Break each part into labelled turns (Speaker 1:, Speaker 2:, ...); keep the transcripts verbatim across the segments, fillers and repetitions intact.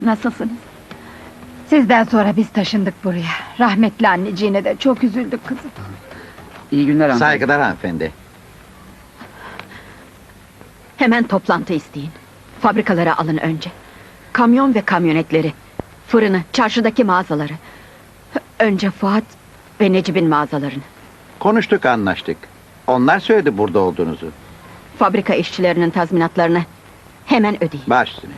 Speaker 1: Nasılsınız? Sizden sonra biz taşındık buraya. Rahmetli anneciğine de çok üzüldük kızım.
Speaker 2: İyi günler hanımefendi.
Speaker 3: Saygılar hanımefendi.
Speaker 4: Hemen toplantı isteyin. Fabrikalara alın önce. Kamyon ve kamyonetleri, fırını, çarşıdaki mağazaları. Önce Fuat ve Necip'in mağazalarını.
Speaker 3: Konuştuk, anlaştık. Onlar söyledi burada olduğunuzu.
Speaker 4: Fabrika işçilerinin tazminatlarını hemen ödeyin.
Speaker 3: Baş üstüne.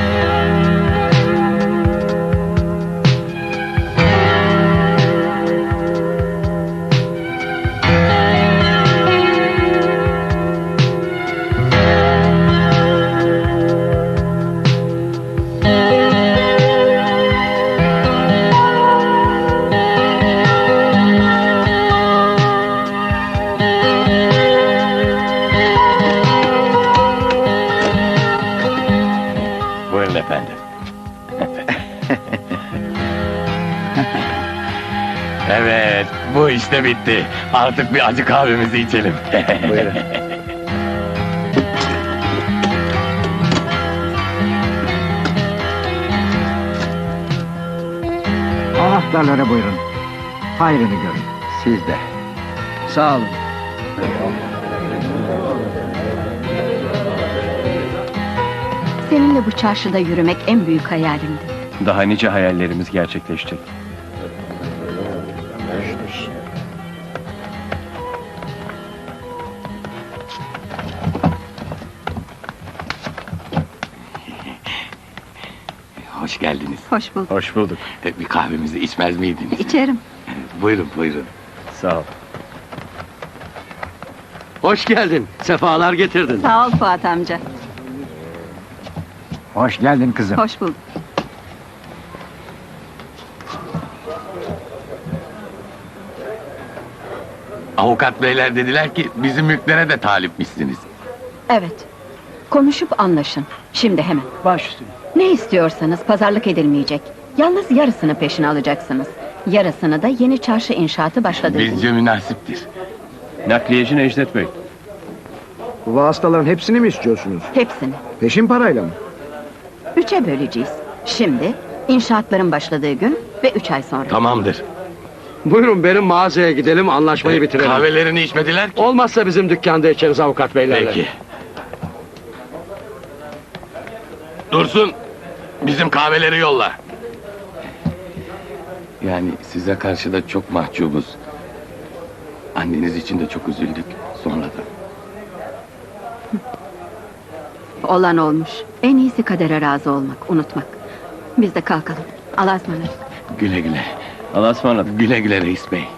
Speaker 5: Buyurun efendim. Evet, bu işte bitti. Artık bir acı kahvemizi içelim.
Speaker 3: Buyurun.
Speaker 2: Anahtarları buyurun. Hayrını görün.
Speaker 3: Siz de.
Speaker 2: Sağ olun.
Speaker 4: Seninle bu çarşıda yürümek en büyük hayalimdi.
Speaker 5: Daha nice hayallerimiz gerçekleşecek. Hoş geldiniz.
Speaker 4: Hoş bulduk.
Speaker 5: Hoş bulduk.
Speaker 6: Bir kahvemizi içmez miydiniz?
Speaker 4: İçerim.
Speaker 6: Buyurun, buyurun.
Speaker 5: Sağ ol.
Speaker 7: Hoş geldin, sefalar getirdin.
Speaker 4: Sağ ol Fuat amca.
Speaker 2: Hoş geldin kızım.
Speaker 4: Hoş bulduk.
Speaker 6: Avukat beyler dediler ki bizim mülklere de talipmişsiniz.
Speaker 4: Evet. Konuşup anlaşın. Şimdi hemen.
Speaker 2: Baş üstüne.
Speaker 4: Ne istiyorsanız pazarlık edilmeyecek. Yalnız yarısını peşine alacaksınız. Yarısını da yeni çarşı inşaatı başladı.
Speaker 6: Bizce münasiptir.
Speaker 5: Nakliyeci Necdet Bey.
Speaker 8: Bu vasıtaların hepsini mi istiyorsunuz?
Speaker 4: Hepsini.
Speaker 8: Peşin parayla mı?
Speaker 4: Üçe böleceğiz. Şimdi, inşaatların başladığı gün ve üç ay sonra.
Speaker 6: Tamamdır.
Speaker 7: Buyurun benim mağazaya gidelim, anlaşmayı bitirelim.
Speaker 6: Kahvelerini içmediler ki.
Speaker 7: Olmazsa bizim dükkanda içeriz avukat beylerle.
Speaker 6: Peki. Dursun, bizim kahveleri yolla. Yani size karşı da çok mahcubuz. Anneniz için de çok üzüldük sonradan.
Speaker 4: Olan olmuş. En iyisi kadere razı olmak, unutmak. Biz de kalkalım. Allah'a ısmarladık.
Speaker 6: Güle güle.
Speaker 5: Allah'a ısmarladık.
Speaker 6: Güle güle reis bey.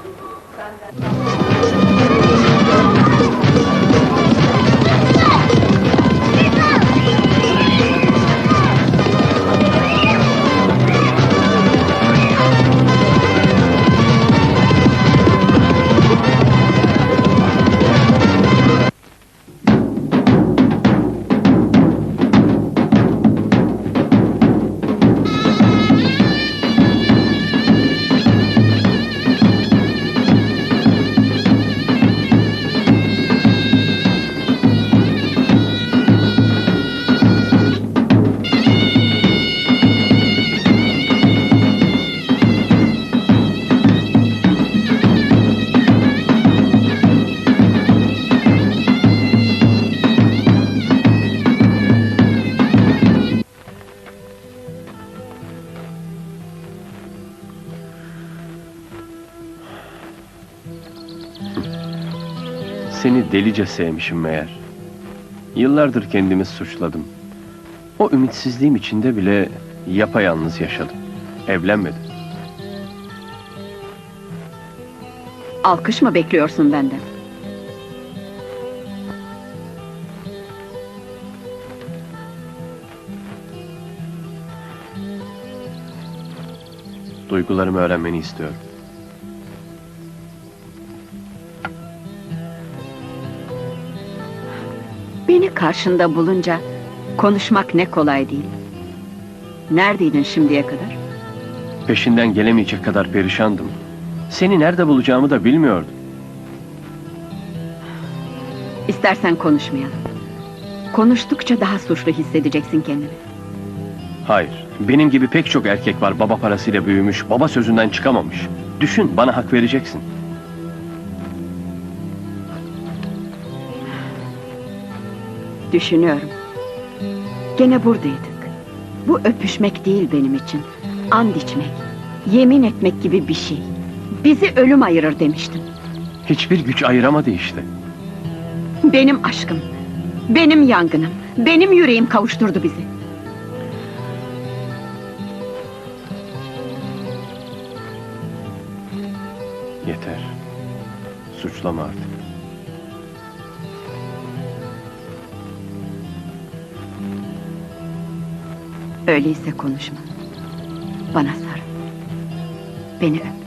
Speaker 5: Seni delice sevmişim meğer. Yıllardır kendimi suçladım. O ümitsizliğim içinde bile yapayalnız yaşadım. Evlenmedim.
Speaker 4: Alkış mı bekliyorsun benden?
Speaker 5: Duygularımı öğrenmeni istiyorum.
Speaker 4: Beni karşında bulunca konuşmak ne kolay değil. Neredeydin şimdiye kadar?
Speaker 5: Peşinden gelemeyecek kadar perişandım. Seni nerede bulacağımı da bilmiyordum.
Speaker 4: İstersen konuşmayalım. Konuştukça daha suçlu hissedeceksin kendini.
Speaker 5: Hayır. Benim gibi pek çok erkek var baba parasıyla büyümüş, baba sözünden çıkamamış. Düşün, bana hak vereceksin.
Speaker 4: Düşünüyorum. Gene buradaydık. Bu öpüşmek değil benim için. And içmek, yemin etmek gibi bir şey. Bizi ölüm ayırır demiştim.
Speaker 5: Hiçbir güç ayıramadı işte.
Speaker 4: Benim aşkım, benim yangınım, benim yüreğim kavuşturdu bizi.
Speaker 5: Yeter. Suçlama artık.
Speaker 4: Öyleyse konuşma. Bana sarıl. Beni öp.